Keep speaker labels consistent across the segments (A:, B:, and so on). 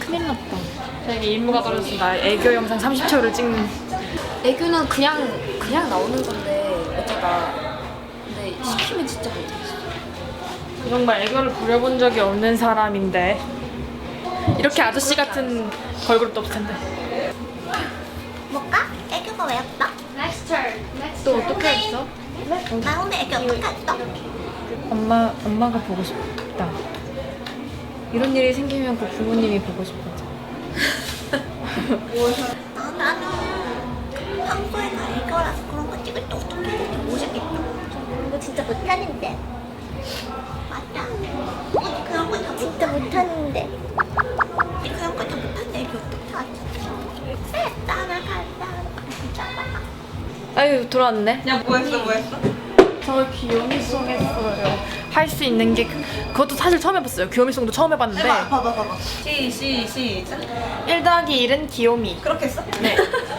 A: 큰일 났다. 저에게 임무가 떨어졌습니다. 애교 영상 30초를 찍는.
B: 애교는 그냥 나오는 건데 어쩌다. 근데 시키면 진짜 못하겠어.
A: 정말 애교를 부려본 적이 없는 사람인데 이렇게 아저씨 같은 걸그룹도 없을 텐데.
C: 뭘까? 애교가 왜 없어?
A: 또 어떻게 했어?
C: 나 오늘 애교 어떻게 했어?
A: 엄마가 보고 싶다. 이런 일이 생기면 꼭 부모님이 보고 싶어져.
C: 나는 평소에 다 애교라서 그런 거 찍을 때 어떻게 해야 모르겠다. 이거 진짜 못하는데. 맞다. 언니 그런 거 다 진짜 못하는데. 언니 그런 거 다 못하는데 애교 어떻게 하지? 따라간다.
A: 아유 돌아왔네.
D: 야 뭐 했어?
A: 저 귀요미송 했어요. 할 수 있는 게 그것도 사실 처음 해봤어요. 귀요미송도 처음 해봤는데
D: 봐봐. 시작.
A: 1 더하기 1은 귀요미.
D: 그렇게 했어?
A: 네.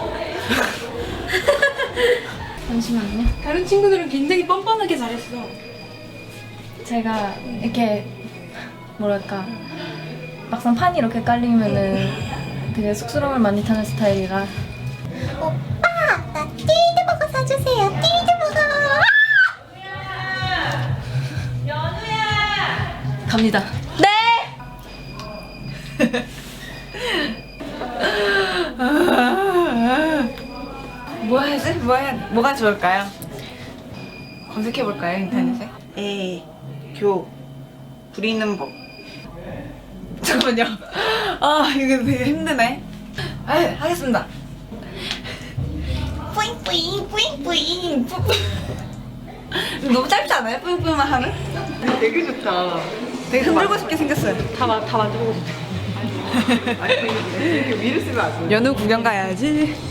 A: 잠시만요.
E: 다른 친구들은 굉장히 뻔뻔하게 잘했어.
A: 제가 이렇게 뭐랄까 막상 판이 이렇게 깔리면은 되게 쑥스러움을 많이 타는 스타일이라.
C: 오빠, 나 띠드버거 사주세요. 띠드버거.
A: 갑니다.
D: 뭐 해야지? 뭐가 좋을까요? 검색해볼까요 인터넷에? 애교 부리는 법. 잠깐만요. 아 이거 되게 힘드네. 아 하겠습니다.
C: 뿌잉뿌잉, 뿌잉뿌잉.
D: 너무 짧지 않아요? 뿌용뿌용만 하면? 되게 좋다. 되게 흔들고 싶게 생겼어요.
A: 다 만들고 싶어.
D: 연우 구경 가야지.